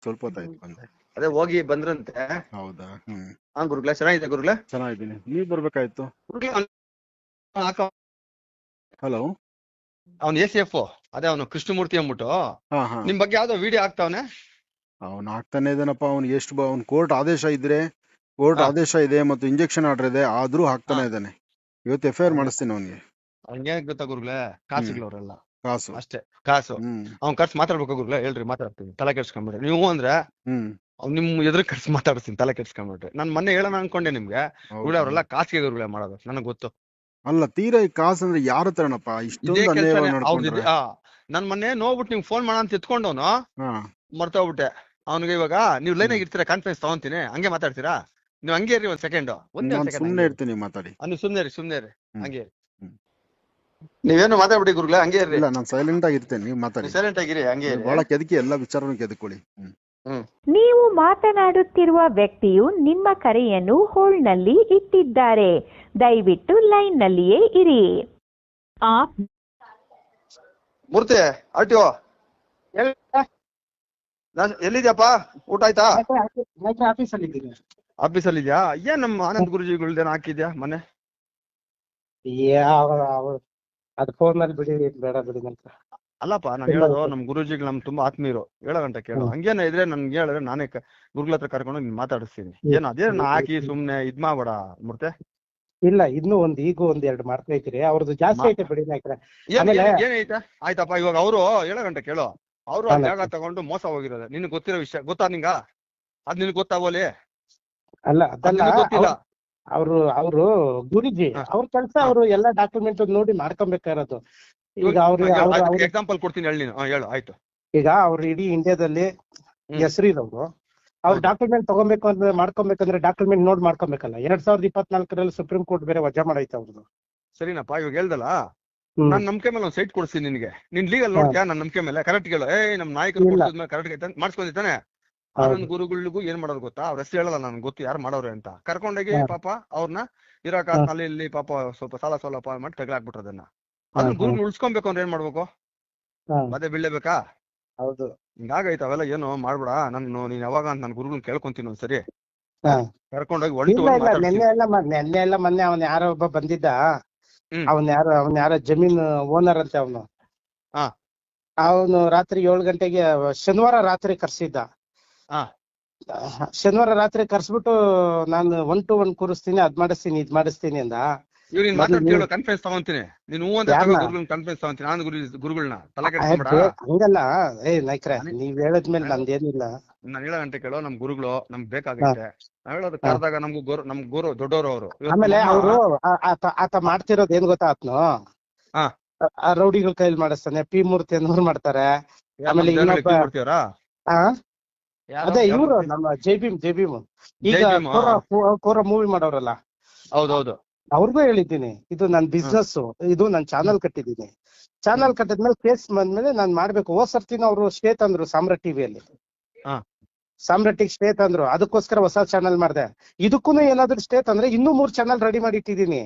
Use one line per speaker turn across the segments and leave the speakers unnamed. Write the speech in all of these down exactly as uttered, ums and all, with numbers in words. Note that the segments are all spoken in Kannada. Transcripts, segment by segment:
ಸ್ವಲ್ಪ ಹೊತ್ತಾಯ್ತು ಬಂದೆ.
ಅದೇ ಹೋಗಿ ಬಂದ್ರಂತೆ.
ಹೌದಾ? ಹ್ಮ್.
ಹಾ ಗುರುಗಳೇ, ಚೆನ್ನಾಗಿದೆ ಗುರುಗಳೇ.
ಚೆನ್ನಾಗಿದ್ದೀನಿ, ನೀವ್ ಬರ್ಬೇಕಾಯ್ತು. ಹಲೋ,
ಅವ್ನು ಎ ಸಿ ಎಫ್ ಅದೇ ಅವನು ಕೃಷ್ಣಮೂರ್ತಿ ಅಂದ್ಬಿಟ್ಟು
ಹಾ ಹಾ
ನಿಮ್ ಬಗ್ಗೆ ಯಾವ್ದೋ ವಿಡಿಯೋ ಆಗ್ತಾವನೆ.
ಅವ್ನ್ ಆಗ್ತಾನೆ ಇದಾನಪ್ಪ. ಅವ್ನ್ ಎಷ್ಟು ಬ ಅವ್ನ್ ಕೋರ್ಟ್ ಆದೇಶ ಇದ್ರೆ, ಕೋರ್ಟ್
ಹಾ
ಆದೇಶ ಇದೆ ಮತ್ತು ಇಂಜೆಕ್ಷನ್ ಆರ್ಡರ್ ಇದೆ, ಆದ್ರೂ
ಹಾ
ಹಾಕ್ತಾನೆ ಇದ್ದಾನೆ. ಇವತ್ತು ಎಫ್ ಐ ಆರ್ ಮಾಡಿಸ್ತೀನಿ ಅವನಿಗೆ.
ಹಂಗೆ ಗೊತ್ತಾ ಗುರುಗಳೇ,
ಹ್ಮ್.
ಕಾಸುಗಳವರೆಲ್ಲ
ಕಾಸು.
ಅಷ್ಟೇ. ಕಾಸು
ಹ್ಮ್
ಅವ್ನ್ ಖರ್ಚು ಮಾತಾಡ್ಬೇಕು ಗುರುಗಳೇ. ಹೇಳ್ರಿ, ಮಾತಾಡ್ತೀನಿ, ತಲೆ ಕೆಡ್ಸ್ಕೊಂಬಿಡ್ರಿ ನೀವು ಅಂದ್ರೆ.
ಹ್ಮ್
ಅವ್ನು ನಿಮ್ ಎದುರು ಖರ್ಚು ಮಾತಾಡ್ತೀನಿ, ತಲೆ ಕೆಡ್ಸ್ಕೊಂಬಿಡ್ರಿ. ನಾನ್ ಮೊನ್ನೆ ಹೇಳೋಣ ಅನ್ಕೊಂಡೆ ನಿಮ್ಗೆ. ಗುರುಗಳೇ,
ಹೌದಾ?
ಅವರೆಲ್ಲ ಕಾಸಿಗೆ ಗುರುಗಳೇ ಮಾಡೋದು, ನನಗ್ ಗೊತ್ತು.
ಅಲ್ಲ, ತೀರಾ ಈ ಕಾಸು ಅಂದ್ರೆ ಯಾರ ಹತ್ರನಪ್ಪ
ಇದೇ
ಇಷ್ಟೊಂದು
ಕೆಲ್ಸನೇ
ಅನ್ಯಾಯವಾಗಿ
ಅವ್ರದ್ದು.
ನಡ್ಕೊಂಡ್ರೆ?
ಆ ನನ್ ಮೊನ್ನೆ ನೋಡ್ಬಿಟ್ಟು ನಿಮ್ಗೆ ಫೋನ್ ಮಾಡೋಣ ಅಂತ ಎತ್ಕೊಂಡವನು
ಹಾ
ಮರ್ತೋಗ್ಬಿಟ್ಟೆ. ಅವ್ನಿಗೆ ಇವಾಗ ನೀವು ಲೈನ್
ಹ್ಮ್.
ಆಗಿ ಇರ್ತೀರಾ, ಕಾನ್ಫರೆನ್ಸ್ ತಗೊಂತೀನಿ, ಹಂಗೆ ಮಾತಾಡ್ತೀರಾ ನೀವು. ಹಂಗೆ ಇರಿ ಒಂದ್ ಸೆಕೆಂಡ್, ಒಂದೇ ಒಂದ್
ನಾನ್
ಸೆಕೆಂಡ್
ಸುಮ್ನೆ
ಹಂಗೆ ಇರಿ.
ಇರ್ತೀನಿ, ಮಾತಾಡಿ.
ನೀವು ಸುಮ್ನೆ ಇರಿ, ಸುಮ್ನೆ ಇರಿ,
ಹ್ಮ್
ಹಂಗೆ ಇರಿ.
ಹ್ಮ್.
ನೀವೇನು ಮಾತಾಡ್ಬಿಡಿ ಗುರುಗಳೇ, ಹಂಗೆ ಇರ್ರಿ.
ಇಲ್ಲ, ನಾನ್ ಸೈಲೆಂಟ್ ಆಗಿರ್ತೇನೆ, ನೀವ್ ಮಾತಾಡಿ.
ನೀವು ಸೈಲೆಂಟ್ ಆಗಿರಿ, ಹಂಗೆ
ನೀವು
ಇರಿ.
ಬಹಳ ಕೆದಕಿ, ಎಲ್ಲಾ ವಿಚಾರನೂ ಕೆದಕೊಳ್ಳಿ. ಹ್ಮ್
ಹ್ಮ್
ನೀವು ಮಾತನಾಡುತ್ತಿರುವ ವ್ಯಕ್ತಿಯು ನಿಮ್ಮ ಕರೆಯನ್ನು ಹೋಲ್ಡ್ನಲ್ಲಿ ಇಟ್ಟಿದ್ದಾರೆ. ದಯವಿಟ್ಟು ಲೈನ್ನಲ್ಲಿಯೇ ಇರಿ. ಆಪ್
ಮೂರ್ತಿ ಆರ್ಟಿಒ ಎಲ್ಲಿದ್ಯಪ್ಪ? ಊಟ ಆಯ್ತಾ?
ಆಫೀಸಲ್ಲಿ ಇದ್ದೀನಿ.
ಆಫೀಸಲ್ಲಿ ಇದ್ಯಾ? ಏನ್ ನಮ್ಮ ಆನಂದ್ ಗುರುಜಿಗಳ್ದೇನ ಹಾಕಿದ್ಯಾ ಮನೆ?
ಯಾವ ಅದು ಫೋನ್ ನಲ್ಲಿ ಬಿಡಿ, ಬೇಡ ಬಿಡಿ ಅಂತ.
ಅಲ್ಲಪ್ಪ, ನಾನು ಹೇಳೋದು ನಮ್ ಗುರುಜಿಗಳು ನಮ್ ತುಂಬಾ ಆತ್ಮೀಯರು. ಹೇಳೋ ಗಂಟ ಕೇಳು. ಹಂಗೇನ ಇದ್ರೆ ನನ್ಗೆ ಹೇಳಿದ್ರೆ ನಾನೇ ಗುರುಗಳ ಹತ್ರ ಕರ್ಕೊಂಡು ನಿನ್ ಮಾತಾಡಿಸ್ತೀನಿ. ಏನು ಅದೇನ ಹಾಕಿ ಸುಮ್ನೆ ಇದ್ ಮಾಡ್ಬೇಡ ಮೂರ್ತಿ.
ಇಲ್ಲ, ಇನ್ನು ಒಂದ್ ಈಗ ಒಂದ್ ಎರಡು ಮಾಡ್ತಾ ಇದ್ದೀರಿ, ಅವ್ರದ್ದು ಜಾಸ್ತಿ ಐತೆ ಬಿಡಿ ನಾಯ್ಕರ.
ಏನೈತೆ? ಆಯ್ತಪ್ಪ, ಇವಾಗ ಅವರು ಹೇಳೋ ಗಂಟ ಕೇಳು. ಅವರು ಆ ಜಾಗ ತಗೊಂಡು ಮೋಸ ಹೋಗಿರೋದು ನಿನ್ಗೆ ಗೊತ್ತಿರೋ ವಿಷಯ. ಗೊತ್ತಾ ನಿಂಗ? ಅದ್ ನಿನ್ಗೆ ಗೊತ್ತಾಗೋಲಿ?
ಅಲ್ಲ, ಅದಲ್ಲ,
ಗೊತ್ತಿಲ್ಲ.
ಅವರು ಅವರು ಗುರುಜಿ ಅವ್ರ ಕೆಲಸ, ಅವರು ಎಲ್ಲಾ ಡಾಕ್ಯುಮೆಂಟ್ ನೋಡಿ ಮಾಡ್ಕೊಬೇಕಾಗಿರೋದು. ಈಗ ಅವ್ರು
ಎಕ್ಸಾಂಪಲ್ ಕೊಡ್ತೀನಿ, ಹೇಳಿ ನೀನು. ಹೇಳು, ಆಯ್ತು.
ಈಗ ಅವ್ರು ಇಡೀ ಇಂಡಿಯಾದಲ್ಲಿ ಹೆಸರಿರೋರು. ಅವ್ರ ಡಾಕ್ಯುಮೆಂಟ್ ತಗೊಬೇಕು ಅಂದ್ರೆ, ಮಾಡ್ಕೊಬೇಕಂದ್ರೆ ಡಾಕ್ಯುಮೆಂಟ್ ನೋಡ್ ಮಾಡ್ಕೊಬೇಕಲ್ಲ. ಎರಡ್ ಸಾವಿರದ ಇಪ್ಪತ್ನಾಲ್ಕರಲ್ಲಿ ಸುಪ್ರೀಂ ಕೋರ್ಟ್ ಬೇರೆ ವಜಾ ಮಾಡೈತೆ ಅವ್ರದ್ದು.
ಸರಿನಪ್ಪ, ಇವಾಗ ಹೇಳ್ದಲ್ಲ, ನಾನ್ ನಂಬಿಕೆ ಮೇಲೆ ಒಂದ್ ಸೈಟ್ ಕೊಡ್ತೀನಿ ನಿನ್ಗೆ. ನೀನ್ ಲೀಗಲ್ ನೋಡ್ತೀಯಾ? ನನ್ ನಂಬಿಕೆ ಮೇಲೆ ಕರೆಕ್ಟ್ ಹೇಳು. ಏ ನಮ್ ನಾಯಕರು ಕೊಡ್ಸಿದ್ಮೇಲೆ ಕರೆಕ್ಟ್ ಮಾಡ್ಸ್ಕೊಂಡಿದ್ದಾನೆ. ಆನಂದ್ ಗುರುಗಳಿಗೂ ಏನ್ ಮಾಡೋದು ಗೊತ್ತಾ? ಅವ್ರ ಹೆಸರು ಹೇಳಲ್ಲ, ನನ್ಗೆ ಗೊತ್ತು ಯಾರು ಮಾಡೋರು ಅಂತ. ಕರ್ಕೊಂಡೋಗಿ ಪಾಪ ಅವ್ರನ್ನ ಇರಾಕ ಅಲ್ಲಿ ಇಲ್ಲಿ ಪಾಪ ಸ್ವಲ್ಪ ಸಾಲ ಸೋಲ ಮಾಡಿ ತಗಲಾಕ್ಬಿಟ್ರು ಅದನ್ನ. ಅದನ್ನ ಗುರುಗಳು ಉಳ್ಸ್ಕೊಬೇಕು ಅಂದ್ರೆ ಏನ್ ಮಾಡ್ಬೇಕು? ಮತ್ತೆ ಬೀಳ್ಲೇಬೇಕಾ?
ಹೌದು.
ಹಿಂಗಾಗೈತೆ ಅವೆಲ್ಲ. ಏನು ಮಾಡ್ಬೇಡ. ನಾನು ನೀನ್ ಯಾವಾಗ ಅಂತ ನನ್ ಗುರುಗಳನ್ನ ಕೇಳ್ಕೊಂತೀನಿ ಒಂದ್ಸರಿ. ಕರ್ಕೊಂಡೋಗಿ ಒನ್ ಟು ಒನ್ ಮಾತಾಡ್ತೀನಿ.
ನೆನ್ನೆ ಎಲ್ಲ ನೆನ್ನೆ ಎಲ್ಲ ಮೊನ್ನೆ ಅವನ್ ಯಾರೋ ಒಬ್ಬ ಬಂದಿದ್ದ. ಅವನ್ ಯಾರೋ ಅವನ್ ಯಾರೋ ಜಮೀನ್ ಓನರ್ ಅಂತೆ ಅವನು. ಅವನು ರಾತ್ರಿ ಏಳು ಗಂಟೆಗೆ ಶನಿವಾರ ರಾತ್ರಿ ಕರ್ಸಿದ್ದ. ಶನಿವಾರ ರಾತ್ರಿ ಕರ್ಸ್ಬಿಟ್ಟು ನಾನು ಒನ್ ಟು ಒನ್ ಕೂರಿಸ್ತೀನಿ, ಅದ್ ಮಾಡಿಸ್ತೀನಿ, ಇದ್ ಮಾಡಿಸ್ತೀನಿ ಅಂದ.
ಇವ್ ನೀನ್ ಮಾತಾಡ್ತೀವಿ, ಕಾನ್ಫರೆನ್ಸ್ ತಗೊಂತೀನಿ. ನೀನ್ ಹೂ ಅಂತ ಗುರುಗಳನ್ನ ಕಾನ್ಫರೆನ್ಸ್ ತಗೊಂತೀನಿ. ನಾನು ಗುರು ಗುರುಗಳನ್ನ ತಲೆ ಕೆಡ್ಸ್ಕೊಂಬೇಡ.
ಹಂಗಲ್ಲ ಏ ನಾಯ್ಕ್ರೆ, ನೀವ್ ಹೇಳದ್ಮೇಲೆ ನಂದೇನಿಲ್ಲ.
ನಾನ್ ಹೇಳೋ ಗಂಟೆ ಕೇಳೋ. ನಮ್ ಗುರುಗಳು ನಮ್ಗ್ ಬೇಕಾಗೈತೆ. ನಾವ್ ಹೇಳೋದು ಕರೆದಾಗ ನಮ್ಗೂ ಗುರು ನಮ್ ಗುರು ದೊಡ್ಡವರು ಅವರು.
ಆಮೇಲೆ ಅವರು ಆತ ಮಾಡ್ತಿರೋದ್ ಏನ್ ಗೊತ್ತಾ? ಆತ್ನು ರೌಡಿಗಳ ಕೈಲಿ ಮಾಡಿಸ್ತಾನೆ. ಪಿ ಮೂರ್ತಿ ಅನ್ನೋರು ಮಾಡ್ತಾರೆ. ಆಮೇಲೆ ಇನ್ನೊಬ್ಬ ಅದೇ ಇವ್ರು ನಮ್ಮ ಜೈ ಭೀಮ್ ಜೈ ಭೀಮ್ ಈಗ ಕೋರ ಮೂವಿ ಮಾಡೋರಲ್ಲ.
ಹೌದೌದು.
ಅವ್ರಿಗೂ ಹೇಳಿದ್ದೀನಿ, ಇದು ನನ್ ಬಿಸ್ನೆಸ್, ಇದು ನನ್ ಚಾನಲ್ ಕಟ್ಟಿದ್ದೀನಿ. ಚಾನಲ್ ಕಟ್ಟಿದ್ಮೇಲೆ ಕೇಸ್ ಬಂದ್ಮೇಲೆ ನಾನ್ ಮಾಡ್ಬೇಕು. ಹೋದ್ ಸರ್ತಿನ ಅವರು ಸ್ಟೇ ತಂದ್ರು ಸಾಮ್ರಾಟ್ ಟಿವಿಯಲ್ಲಿ. ಸಾಮ್ರಾಟಿಗೆ ಸ್ಟೇ ತಂದ್ರು, ಅದಕ್ಕೋಸ್ಕರ ಹೊಸ ಚಾನಲ್ ಮಾಡಿದೆ. ಇದಕ್ಕೂ ಏನಾದ್ರು ಸ್ಟೇ ತಂದ್ರೆ ಇನ್ನೂ ಮೂರ್ ಚಾನಲ್ ರೆಡಿ ಮಾಡಿ ಇಟ್ಟಿದ್ದೀನಿ.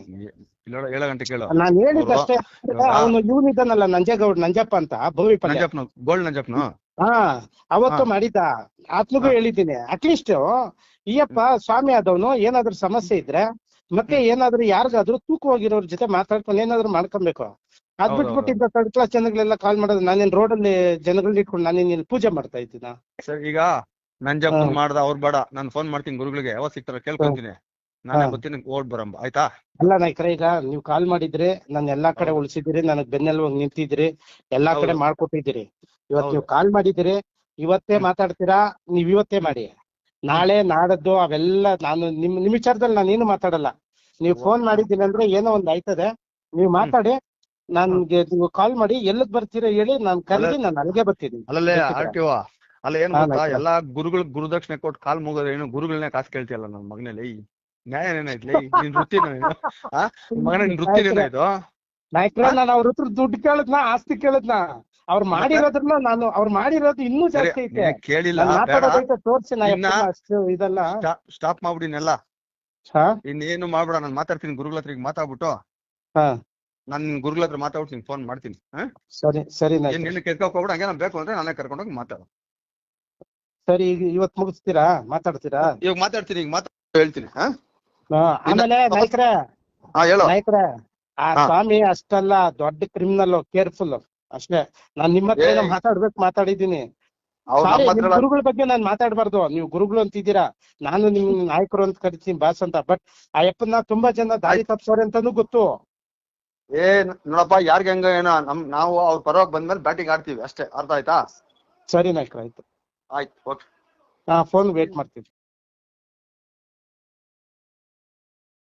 ನಾನ್ ಹೇಳಿದ್ದಷ್ಟೇ. ಅವನು ಇವನ್ ಇದ್ದಾನಲ್ಲ ನಂಜೇಗೌಡ್, ನಂಜಪ್ಪ ಅಂತ, ಭೂಮಿಪಲ್ಯ
ಗೋಲ್ಡ್ ನಂಜಪ್ಪನ.
ಹಾ, ಅವತ್ತು ಮಾಡಿದ್ದ. ಆತ್ಮಗೂ ಹೇಳಿದ್ದೀನಿ, ಅಟ್ಲೀಸ್ಟ್ ಈಯಪ್ಪ ಸ್ವಾಮಿ ಆದವನು ಏನಾದ್ರು ಸಮಸ್ಯೆ ಇದ್ರೆ ಮತ್ತೆ ಏನಾದ್ರು ಯಾರಿಗಾದ್ರು ತೂಕವಾಗಿರೋರ್ ಜೊತೆ ಮಾತಾಡ್ಕೊಂಡು ಏನಾದ್ರು ಮಾಡ್ಕೊಬೇಕು. ಅದ್ ಬಿಟ್ಬಿಟ್ಟಿದ್ದ ಥರ್ಡ್ ಕ್ಲಾಸ್ ಜನಗಳೆಲ್ಲ ಕಾಲ್ ಮಾಡೋದು. ನಾನೇನ್ ರೋಡಲ್ಲಿ ಜನಗಳನ್ನ ಇಟ್ಕೊಂಡು ನಾನೇನ್ ಇಲ್ಲಿ ಪೂಜೆ ಮಾಡ್ತಾ ಇದ್ದೀನ?
ಸರ್, ಈಗ ನಂಜಪ್ಪ ಮಾಡ್ದ ಅವ್ರು ಬೇಡ, ನಾನು ಫೋನ್ ಮಾಡ್ತೀನಿ ಗುರುಗಳಿಗೆ. ಯಾವಾಗ ಸಿಗ್ತಾರ ಕೇಳ್ಕೊಂತೀನಿ. ನಾನೇ ಬರ್ತೀನಿ, ಓಡ್ ಬರಂಬ ಆಯ್ತಾ?
ಅಲ್ಲ ನಾಯ್ಕರ, ಈಗ ನೀವ್ ಕಾಲ್ ಮಾಡಿದ್ರಿ, ನಾನು ಎಲ್ಲಾ ಕಡೆ ಉಳಿಸಿದಿರಿ, ನನಗ್ ಬೆನ್ನೆಲುಬಾಗಿ ನಿಂತಿದ್ರಿ, ಎಲ್ಲಾ ಕಡೆ ಮಾಡ್ಕೊಟ್ಟಿದ್ದೀರಿ. ಇವತ್ ನೀವ್ ಕಾಲ್ ಮಾಡಿದಿರಿ, ಇವತ್ತೇ ಮಾತಾಡ್ತೀರಾ, ನೀವ್ ಇವತ್ತೇ ಮಾಡಿ. ನಾಳೆ ನಾಡದ್ದು ಅವೆಲ್ಲ ನಾನು ನಿಮ್ ನಿಮ್ ವಿಚಾರದಲ್ಲಿ ನಾನೇನು ಮಾತಾಡಲ್ಲ. ನೀವ್ ಫೋನ್ ಮಾಡಿದ್ದೀನಿ ಅಂದ್ರೆ ಏನೋ ಒಂದ್ ಆಯ್ತದೆ, ನೀವ್ ಮಾತಾಡಿ. ನನ್ಗೆ ನೀವು ಕಾಲ್ ಮಾಡಿ, ಎಲ್ಲಕ್ ಬರ್ತೀರಾ ಹೇಳಿ, ನಾನ್ ಕರೆದಿ ನಾನು ಅಲ್ಲಿಗೆ ಬರ್ತೀನಿ.
ಅಲ್ಲೇ ಆರ್ಟಿಒ ಅಲ್ಲ ಏನ್ ಗೊತ್ತಾ? ಎಲ್ಲಾ ಗುರುಗಳು ಗುರುದಕ್ಷಿಣೆ ಕೊಟ್ಟು ಕಾಲ್ ಮುಗೋದ್ರೆ ಏನು ಗುರುಗಳನ್ನೇ ಕಾಸು ಕೇಳ್ತಿಯಲ್ಲ ನನ್ ಮಗನಲ್ಲಿ. ನ್ಯಾಯ ಏನಾಯ್ತ್ಲಿ? ನಿನ್ ವೃತ್ತಿನ ಮಗನ, ನಿನ್ ವೃತ್ತಿನೇನಾಯ್ತು?
ನಾಯ್ಕ್ರ, ನಾನು ಅವ್ರ ಹತ್ರ ದುಡ್ಡು ಕೇಳದ್ನ, ಆಸ್ತಿ ಕೇಳದ್ನ? ಅವ್ರು ಮಾಡಿರೋದ್ರನ್ನ ನಾನು ಅವ್ರು ಮಾಡಿರೋದು ಇನ್ನೂ ಜಾಸ್ತಿ ಐತೆ.
ಕೇಳಿಲ್ಲ,
ತೋರ್ಸಿ ಅಷ್ಟು ಇದಲ್ಲ.
ಸ್ಟಾಪ್ ಮಾಡ್ಬಿಡಿನೆಲ್ಲ. ಇನ್ನೇನು ಮಾಡ್ಬೇಡ, ನಾನು ಮಾತಾಡ್ತೀನಿ ಗುರುಗಳ ಹತ್ರ. ಈಗ ಮಾತಾಡ್ಬಿಟ್ಟು ನಾನ್ ನಿನ್ ಗುರುಗಳ ಹತ್ರ ಮಾತಾಡ್ಬಿಟ್ಟು ನಿನ್ ಫೋನ್ ಮಾಡ್ತೀನಿ.
ಸರಿ ಸರಿ.
ನಿನ್ನ ಕೆರ್ಕೋಕ್ ಹೋಗ್ಬಿಡ. ಹಂಗೆ ನಾನ್ ಬೇಕು ಅಂದ್ರೆ ನಾನೇ ಕರ್ಕೊಂಡೋಗಿ ಮಾತಾಡು.
ಸರಿ ಈಗ ಇವತ್ ಮುಗಿಸ್ತೀರಾ ಮಾತಾಡ್ತೀರಾ?
ಇವಾಗ ಮಾತಾಡ್ತೀನಿ, ಈಗ ಮಾತಾಡ್ ಹೇಳ್ತೀನಿ. ಹಾ
ಹಾ, ಆಮೇಲೆ ನಾಯ್ಕ್ರೆ
ಹಾ ಹೇಳು.
ನಾಯ್ಕ್ರೆ ಆ
ಹಾ.
ಸ್ವಾಮಿ ಅಷ್ಟಲ್ಲ, ದೊಡ್ಡ ಕ್ರಿಮಿನಲ್, ಕೇರ್ಫುಲ್ ಅಷ್ಟೇ. ನಾನ್ ನಿಮ್ಮ ಹತ್ರ ಏನೋ
ಏಯ್.
ಮಾತಾಡ್ಬೇಕು ಮಾತಾಡಿದೀನಿ.
ಅವ್ರು
ಸಾರಿ,
ನಮ್ಮ
ನಿಮ್
ಹತ್ರ
ಗುರುಗಳ ಬಗ್ಗೆ ನಾನ್ ಮಾತಾಡ್ಬಾರ್ದು. ನೀವು ಗುರುಗಳು ಅಂತಿದ್ದೀರಾ, ನಾನು ನಿಮ್ ನಾಯಕರು ಅಂತ ಕರಿತೀನಿ, ಬಾಸ್ ಅಂತ. ಬಟ್ ಆ ಯಪ್ಪನ್ನ ತುಂಬಾ ಜನ ದಾರಿ ತಪ್ಸೋರೆ ಅಂತಾನು ಗೊತ್ತು.
ಏ ನೋಡಪ್ಪ, ಯಾರ್ಗೆ ಹೆಂಗ ಏನೋ ನಮ್ ನಾವು ಅವ್ರ ಪರವಾಗಿ ಬಂದ್ಮೇಲೆ ಬ್ಯಾಟಿಂಗ್ ಆಡ್ತೀವಿ ಅಷ್ಟೇ, ಅರ್ಥ ಆಯ್ತಾ?
ಸರಿ ನಾಯ್ಕ್ರೆ, ಆಯ್ತು.
ಆಯ್ತು, ಓಕೆ.
ಹಾ, ಫೋನ್ ವೇಟ್ ಮಾಡ್ತೀವಿ.